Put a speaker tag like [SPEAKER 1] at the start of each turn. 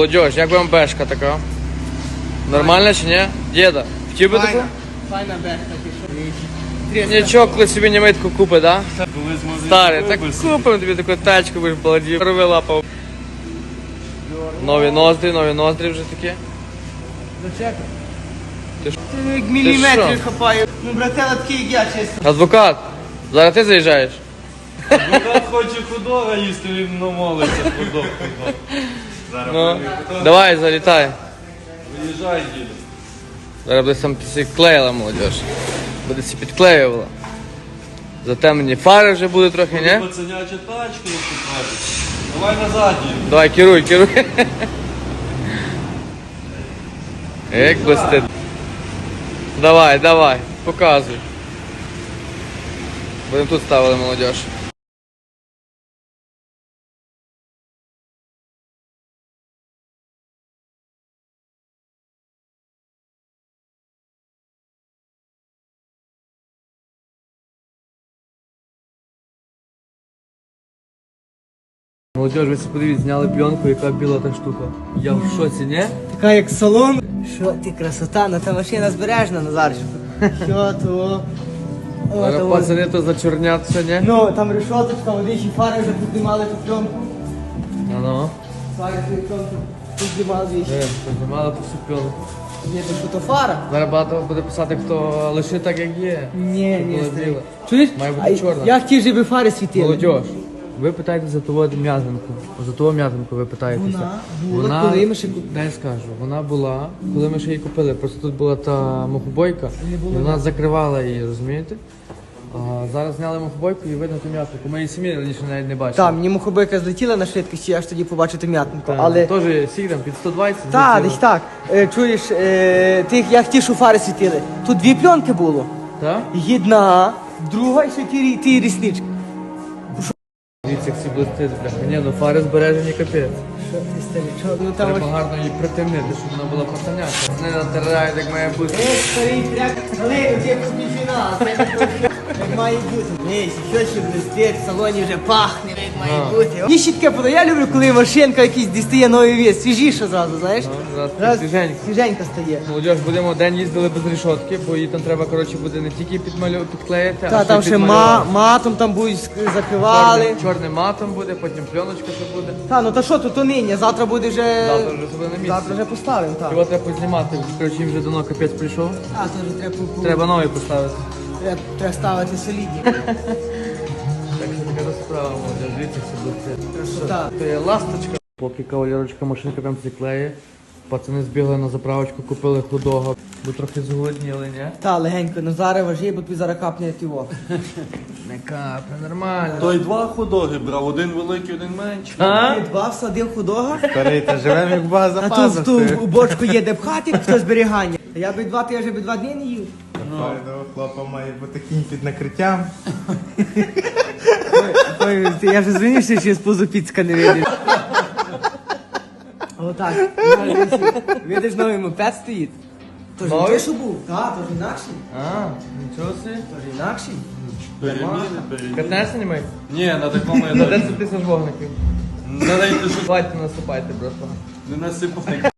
[SPEAKER 1] Молодіж, як вам бешка така? Нормальна чи ні? Діда, хотів би таку?
[SPEAKER 2] Файна бешка, ти що?
[SPEAKER 1] Нічого, коли собі німитку купить, да?
[SPEAKER 3] Коли з магазину
[SPEAKER 1] Старий, так
[SPEAKER 3] виберся.
[SPEAKER 1] купимо тобі таку тачку, будеш баладів. Рови лапав. Нові ноздрі вже такі.
[SPEAKER 2] Зачекай.
[SPEAKER 1] Ти ж-
[SPEAKER 2] Ти як
[SPEAKER 1] що?
[SPEAKER 2] міліметрів хапаю. Ну, братела, такий як я, чесно.
[SPEAKER 1] Адвокат, зараз ти заїжджаєш?
[SPEAKER 3] Адвокат хоче худога їсти, він намолиться худог. Зараз
[SPEAKER 1] Ну,
[SPEAKER 3] буде.
[SPEAKER 1] давай, залітай.
[SPEAKER 3] Виїжджай, діду.
[SPEAKER 1] Зараз буде сам підклеїла молодіж. Буде всі підклеювала. Затемнені фари вже буде трохи, ні?
[SPEAKER 3] Пацаняча тачка, як ти кажеш. Давай назад, діду.
[SPEAKER 1] Давай, керуй. Як блистить. Давай, показуй. Будемо тут ставили молодіж. Молодіж, ви подивіться, зняли пленку, яка біла та штука. Я в шоці, ні?
[SPEAKER 2] Така як салон. Що ти, красота, ну та машина збережна, Назарчику. Що то? О,
[SPEAKER 1] Зараз
[SPEAKER 2] то
[SPEAKER 1] пацани то зачорняться, ні?
[SPEAKER 2] Ну, там решоточка, водичі фари вже піднімали ту пленку.
[SPEAKER 1] Ну.
[SPEAKER 2] Фари ту пленку піднімали двічі.
[SPEAKER 1] Піднімали ту всю пленку.
[SPEAKER 2] Ні, то що то фара?
[SPEAKER 1] Зараз багато буде писати, хто лише так, як є.
[SPEAKER 2] Ні,
[SPEAKER 1] Щоб
[SPEAKER 2] ні,
[SPEAKER 1] було
[SPEAKER 2] старий.
[SPEAKER 1] біле.
[SPEAKER 2] Чуєш?
[SPEAKER 1] Має бути чорна.
[SPEAKER 2] Я хотів, щоб фари світили.
[SPEAKER 1] Молодіж, ви питаєте за того м'язанку. За того м'язанку ви питаєтеся.
[SPEAKER 2] Вона була, коли ми ще
[SPEAKER 1] Дай скажу, вона була, коли ми ще її купили. Просто тут була та мухобойка, і вона закривала її, розумієте? А зараз зняли мухобойку і видно ту м'язанку. Ми її самі раніше навіть не бачили.
[SPEAKER 2] Там, мені мухобойка злетіла на швидкості, я аж тоді побачив ту м'ятнику.
[SPEAKER 1] Та,
[SPEAKER 2] Але...
[SPEAKER 1] Теж сік там під 120.
[SPEAKER 2] Так,
[SPEAKER 1] злетіло.
[SPEAKER 2] десь так. Чуєш, я хотів, щоб фари світили. Тут дві пленки було.
[SPEAKER 1] Так?
[SPEAKER 2] Одна, друга і ще ті ріснички.
[SPEAKER 1] Дивіться, як всі блистить, бляха. Ні, ну фари збережені капець.
[SPEAKER 2] Що ти старий, що? Ну там
[SPEAKER 1] Треба
[SPEAKER 2] ось...
[SPEAKER 1] гарно її притемнити, щоб вона була пацаняка. Вони натирають, як має бути.
[SPEAKER 2] Старий, тряк, Галину, це півфінал. Як має бути. Ні, що ще блистить, в салоні вже пахне, як має бути. Мені ще таке подає, я люблю, коли машинка якийсь дістає новий вес, свіжіше зразу, знаєш?
[SPEAKER 1] Зараз
[SPEAKER 2] Раз
[SPEAKER 1] свіженько.
[SPEAKER 2] свіженька стає.
[SPEAKER 1] Молодіж, будемо день їздили без рішотки, бо її там треба, коротше, буде не тільки підклеїти,
[SPEAKER 2] Та, там ще матом там будуть закривали.
[SPEAKER 1] Чорним матом буде, потім пленочка ще буде.
[SPEAKER 2] Та, ну та що, то нині, завтра буде вже...
[SPEAKER 1] Завтра вже буде на місці.
[SPEAKER 2] Завтра вже поставимо, так.
[SPEAKER 1] Його треба познімати, коротше, їм вже давно капець прийшов.
[SPEAKER 2] А, то вже треба,
[SPEAKER 1] Треба новий поставити.
[SPEAKER 2] треба ставити солідні.
[SPEAKER 1] Так що така справа, молодіж, дивіться, все буде.
[SPEAKER 2] Красота.
[SPEAKER 1] То є ласточка. Поки кавалерочка машинка там клеє, пацани збігли на заправочку, купили худого, бо трохи зголодніли, ні?
[SPEAKER 2] Та, легенько, ну зараз важі, бо тобі зараз капне тіво.
[SPEAKER 1] Не капне, нормально.
[SPEAKER 3] Той два худоги брав, один великий, один менший.
[SPEAKER 1] А?
[SPEAKER 2] Ти два всадив худого,
[SPEAKER 4] Старий, та живемо як база
[SPEAKER 2] а тут в ту у бочку є де пхати, хто зберігання. Я би ти вже би 2 дні не їв.
[SPEAKER 4] Хлопа має бути кінь під накриттям.
[SPEAKER 2] Я вже звинився, що я з позу піцка не видів. Отак. Видиш, новий мопед стоїть. То ж не
[SPEAKER 1] Новий?
[SPEAKER 2] той, що був. Так, то ж інакший.
[SPEAKER 1] А, нічого собі.
[SPEAKER 2] То ж інакший.
[SPEAKER 3] Переміни.
[SPEAKER 1] 15 знімай?
[SPEAKER 3] Ні, на такому я
[SPEAKER 1] На
[SPEAKER 3] навіть
[SPEAKER 1] 10 тисяч вогників.
[SPEAKER 3] не
[SPEAKER 1] Давайте наступайте просто.
[SPEAKER 3] насипай.